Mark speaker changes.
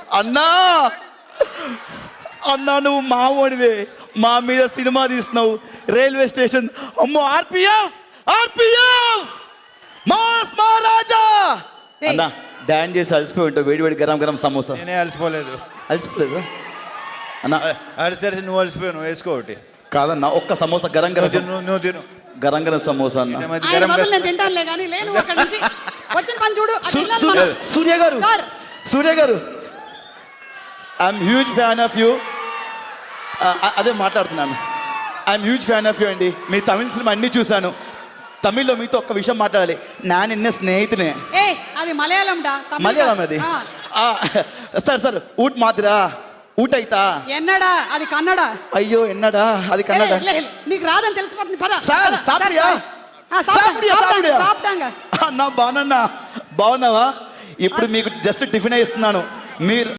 Speaker 1: అన్నా అన్నా నువ్వు మావోడివే, మా మీద సినిమా తీస్తున్నావు. రైల్వే స్టేషన్ అమ్మో ఆర్పిఎఫ్ మాస్ మహారాజా అన్నా డాన్స్ చేసి అలసిపోయి ఉంటావు. వేడి వేడి గరం గరం సమోసా.
Speaker 2: నేనే అలసిపోలేదు
Speaker 1: అన్నా.
Speaker 2: అలసి నువ్వు అలసిపోయావు, నువ్వు వేసుకో ఒకటి.
Speaker 1: కాదన్నా ఒక్క సమోసా గరం గరం
Speaker 2: నువ్వు తిను
Speaker 1: గరం గరం సమోసా అన్న.
Speaker 3: ఆయన బదులు నేను తింటానులే కానీ లేను అక్కడి నుంచి. వచ్చిన పని చూడు. అటు వెళ్ళాలి మనం.
Speaker 1: Surya garu I'm huge fan of you. అదే మాట్లాడుతున్నాను. I'm huge fan of you అండి. మీ తమిళ సినిమా అన్నీ చూశాను. తమిళ్లో మీతో ఒక్క విషయం మాట్లాడాలి. నా నిన్న స్నేహితునే.
Speaker 3: ఏ అది మలయాళం డా.
Speaker 1: మలయాళం అది. సార్ ఊట్ మాదిరా ఊట అయితా
Speaker 3: ఎన్నడా అది కన్నడ.
Speaker 1: అయ్యో ఎన్నడా అది కన్నడ.
Speaker 3: నీకు రాదని తెలిసిపోతుంది పద.
Speaker 1: సార్ సాపిడియా అన్నా బాగున్నా. బాగున్నావా? ఇప్పుడు మీకు జస్ట్ టిఫిన్ ఇస్తున్నాను. మీరు